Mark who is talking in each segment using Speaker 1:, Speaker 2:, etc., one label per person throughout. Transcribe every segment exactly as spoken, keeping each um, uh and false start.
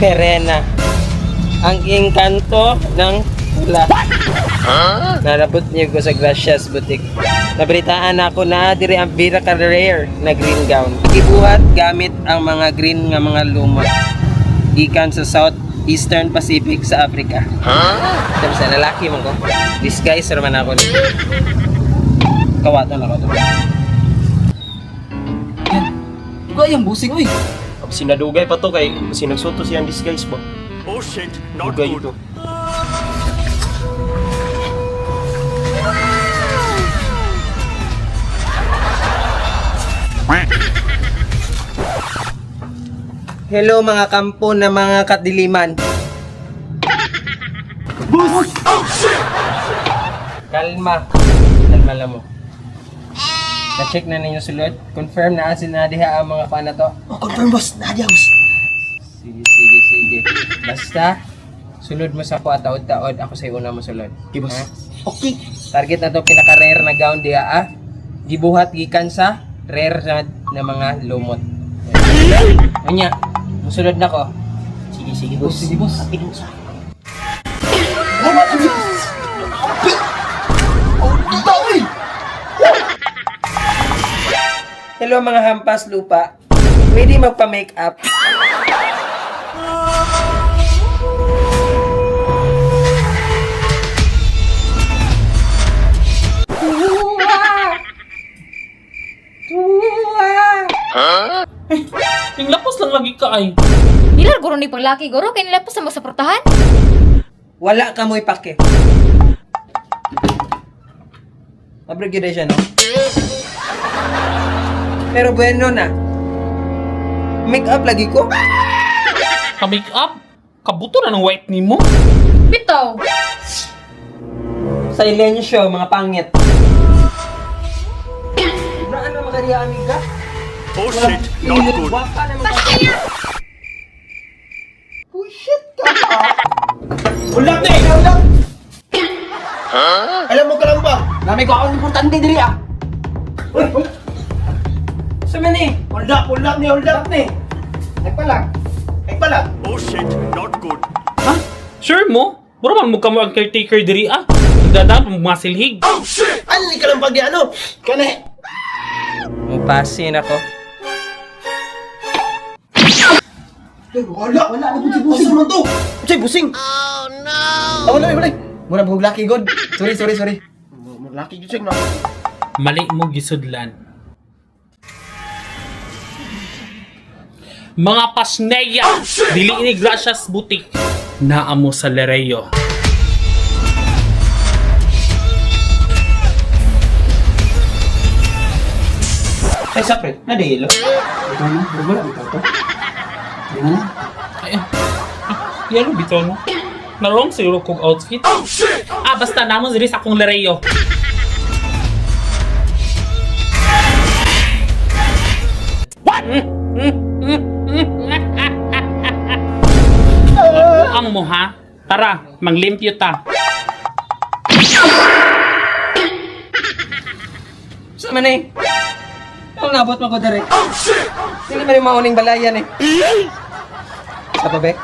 Speaker 1: Perena. Ang engkanto ng pula. Narabot niyo ko sa Gracias Boutique. Nabalitaan ako na diri ang Vera rare na green gown. Gibuhat gamit ang mga green nga mga lumot. Gikan sa South Eastern Pacific sa Africa. Huh? Sa lalaki mo ko. Disguise raman ako ni. Kawaton ako to.
Speaker 2: Yan. Ikaw yung busing, uy.
Speaker 3: Sinadugay pa to kay sinagsuto siyang disguise ba?
Speaker 4: Oh shit, not
Speaker 3: Dugay
Speaker 4: good.
Speaker 3: ito.
Speaker 1: Hello mga kampo na mga kadiliman.
Speaker 4: Oh shit!
Speaker 1: Kalma. Kalma lang mo. Na-check na ninyo sulod. Confirm na asin na diha ang mga pana to.
Speaker 2: Oh, confirm, boss. Nadia, boss.
Speaker 1: Sige, sige, sige. Basta, sulod mo sa ko at taod-taod. Ako sa'yo una mo sulod.
Speaker 2: Okay, boss.
Speaker 1: Ha?
Speaker 2: Okay.
Speaker 1: Target na to pinaka-rare na gown diha ah. Gibuhat gikan sa rare na, na mga lumot. Anya, musulod na ko.
Speaker 2: Sige, sige, boss. Sige, boss. Apin mo sa akin. Oh, dito, uy!
Speaker 1: Hello mga hampas lupa. Pwede magpa-make up.
Speaker 5: Yung lapos lang lagi ka ay.
Speaker 6: Dilar guro ni panglaki guro kay nila pa sa masaportahan.
Speaker 1: Wala ka mo ipake. Mabrigyo siya, no? Pero bueno na. Make up lagi ko.
Speaker 5: Ka-make up? Kabuto na ng white ni mo?
Speaker 6: Bitaw.
Speaker 1: Silensyo, mga pangit. Braan na makariya, amiga.
Speaker 4: Oh shit, not good.
Speaker 1: Wapa na mga
Speaker 2: Oh, shit ka pa.
Speaker 3: Ulap ni!
Speaker 2: Alam mo ka lang ba? Nami ko akong importante diri, ah.
Speaker 1: Uy! Uy! Saan eh?
Speaker 2: Hold up, hold up ni, hold up ni. Nagpalag. Nagpalag.
Speaker 4: Oh shit, not good.
Speaker 5: Ha? Sure mo? Buro man mo ka mo ang caretaker diri ah. Nagdadaan mo mga silhig.
Speaker 2: Ano ni ka lang pag ano? Kani.
Speaker 1: Mupasin ako.
Speaker 2: Ay, wala. Wala na po si Busing. Asa man to? Say, Busing. Oh, no. Ah, wala, wala. Mura po lucky god. Sorry, sorry, sorry. Mura lucky good, check na.
Speaker 5: Mali mo gisudlan. Mga pasneya, dili ini Gracias Boutique. Naamo sa Lereo.
Speaker 1: Ay, sapre. Nadilo.
Speaker 2: Ito na, wala, ito to. Yan na.
Speaker 5: Ay, ah, yan bitaw no. Narong siguro kong outfit. Ah, basta namo diri sa akong Lereo. What? Ang mo ha? Tara, manglimpyo ta.
Speaker 1: Saan man eh? Ang nabot mo ko direct. Hindi man yung mauning balayan eh. Sa pabek?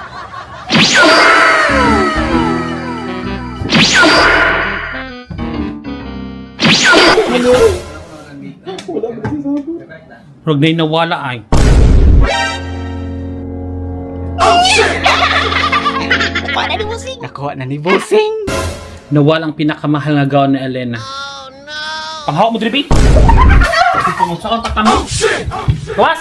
Speaker 5: Rog na nawala ay.
Speaker 2: Nakuha na ni Busing.
Speaker 5: Nawala ang pinakamahal nga gown ni Elena. Oh no! Panghawak mo, Drippy! Kasi pumunsa kang takta mo. Gawas!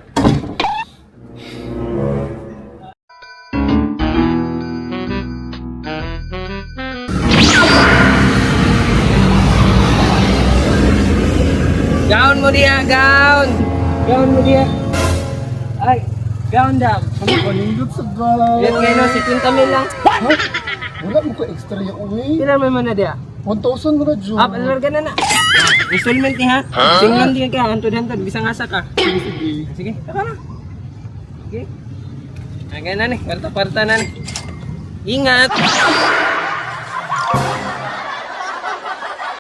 Speaker 1: Gown mo diya, gown! Gown mo diya. Ay, gown dam.
Speaker 2: Ano ba nindot sa guy?
Speaker 1: Yan ngayon, si Pinta Mil lang.
Speaker 2: Wala mo ko extra yung uwi.
Speaker 1: Ilan mo na diya?
Speaker 2: one thousand mo na, Jun.
Speaker 1: Up, alarga na na. Installment ni ha? Singlan din ka, hantod-hantod, bisang asa ka.
Speaker 2: Sige, sige.
Speaker 1: Sige, taka na. Sige. Agay na ni, kwarta-kwarta na ni. Ingat!